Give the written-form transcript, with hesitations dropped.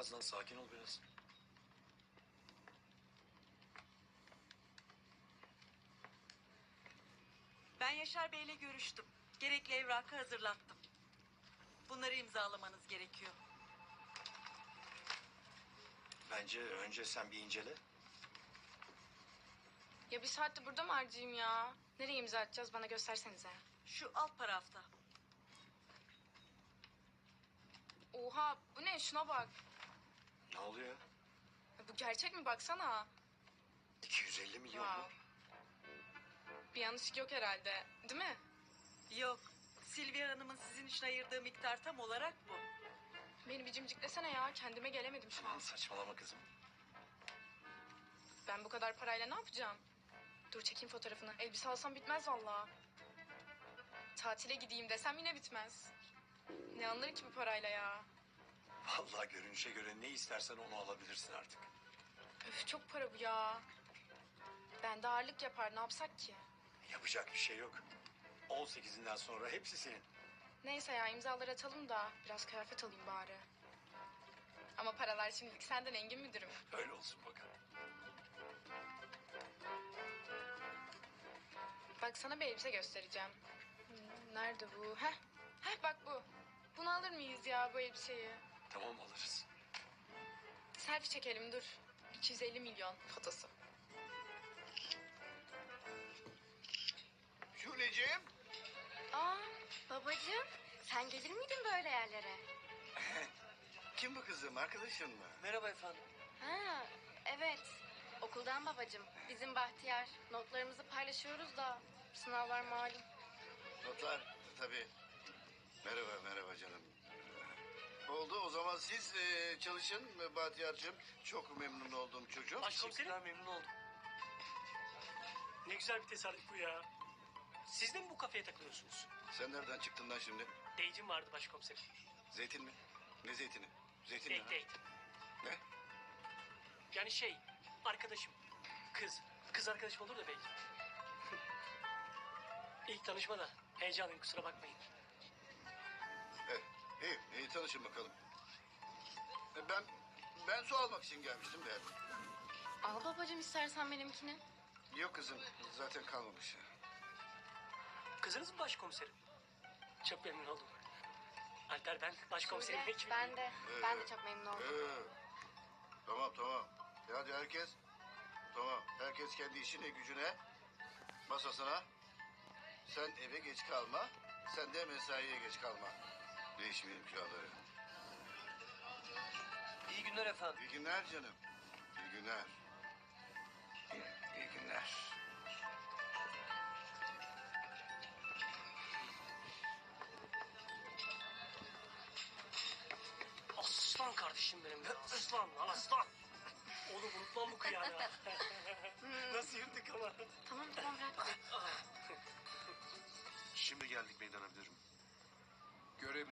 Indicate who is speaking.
Speaker 1: Nazlan, sakin ol biraz.
Speaker 2: Ben Yaşar Bey'le görüştüm. Gerekli evrakı hazırlattım. Bunları imzalamanız gerekiyor.
Speaker 1: Bence önce sen bir incele.
Speaker 3: Ya bir saatte burada mı harcayayım ya? Nereye imza atacağız bana göstersenize.
Speaker 2: Şu alt tarafta.
Speaker 3: Oha bu ne şuna bak.
Speaker 1: Ne oluyor?
Speaker 3: Ya bu gerçek mi baksana.
Speaker 1: 250 milyon
Speaker 3: Ya.
Speaker 1: mu?
Speaker 3: Bir yanlışlık yok herhalde değil mi?
Speaker 2: Yok. Silvia Hanım'ın sizin için ayırdığı miktar tam olarak bu.
Speaker 3: Beni bir cimciklesene ya kendime gelemedim şu an.
Speaker 1: Saçmalama kızım.
Speaker 3: Ben bu kadar parayla ne yapacağım? Dur çekeyim fotoğrafını. Elbise alsam bitmez vallahi. Tatile gideyim desem yine bitmez. Ne alınır ki bu parayla ya?
Speaker 1: Vallahi görünüşe göre ne istersen onu alabilirsin artık.
Speaker 3: Öf çok para bu ya. Ben de ağırlık yapar ne yapsak ki?
Speaker 1: Yapacak bir şey yok. 18'inden sonra hepsi senin.
Speaker 3: Neyse ya imzaları atalım da biraz kıyafet alayım bari. Ama paralar şimdilik senden Engin müdürüm.
Speaker 1: Öyle olsun bakalım.
Speaker 3: Bak sana bir elbise göstereceğim. Nerede bu? Heh bak bu. Bunu alır mıyız ya bu elbiseyi?
Speaker 1: Tamam, alırız.
Speaker 3: Selfie çekelim dur. 250 milyon fotosu.
Speaker 4: Şuleciğim.
Speaker 5: Aa babacığım sen gelir miydin böyle yerlere?
Speaker 4: Kim bu kızım? Arkadaşın mı?
Speaker 1: Merhaba efendim.
Speaker 5: Ha evet okuldan babacığım. Bizim Bahtiyar notlarımızı paylaşıyoruz da sınavlar malum.
Speaker 4: Notlar tabii. Merhaba canım. Oldu o zaman siz çalışın Bahtiyar'cığım. Çok memnun oldum çocuğum.
Speaker 6: Başkomiserim. Memnun oldum. Ne güzel bir tesadüf bu ya. Siz de mi bu kafeye takılıyorsunuz?
Speaker 4: Sen nereden çıktın lan şimdi?
Speaker 6: Date'im vardı başkomiserim.
Speaker 4: Zeytin mi? Ne zeytini? Zeytin
Speaker 6: Date
Speaker 4: ne?
Speaker 6: date.
Speaker 4: Ne?
Speaker 6: Yani şey arkadaşım. Kız arkadaşım olur da belki. İlk tanışma da heyecanlıyım kusura bakmayın.
Speaker 4: İyi tanışın bakalım. Ben su almak için gelmiştim de.
Speaker 5: Al babacığım istersen benimkini.
Speaker 4: Yok kızım zaten kalmamış.
Speaker 6: Kızınız mı başkomiserim? Çok memnun oldum. Alper ben başkomiserim.
Speaker 5: Şule,
Speaker 6: Hiç
Speaker 5: ben de çok memnun oldum.
Speaker 4: Tamam. Hadi herkes. Tamam. Herkes kendi işine gücüne. Masasına. Sen eve geç kalma. Sen de mesaiye geç kalma. Değişmeyelim kağıtları.
Speaker 6: İyi günler efendim.
Speaker 4: İyi günler canım. İyi günler. İyi günler.
Speaker 6: Aslan kardeşim benim ya. Aslan lan aslan. Oğlum unutmam bu kıyağını. Nasıl yırtık ama.
Speaker 5: Tamam bırak.
Speaker 7: Şimdi geldik meydan müdürüm.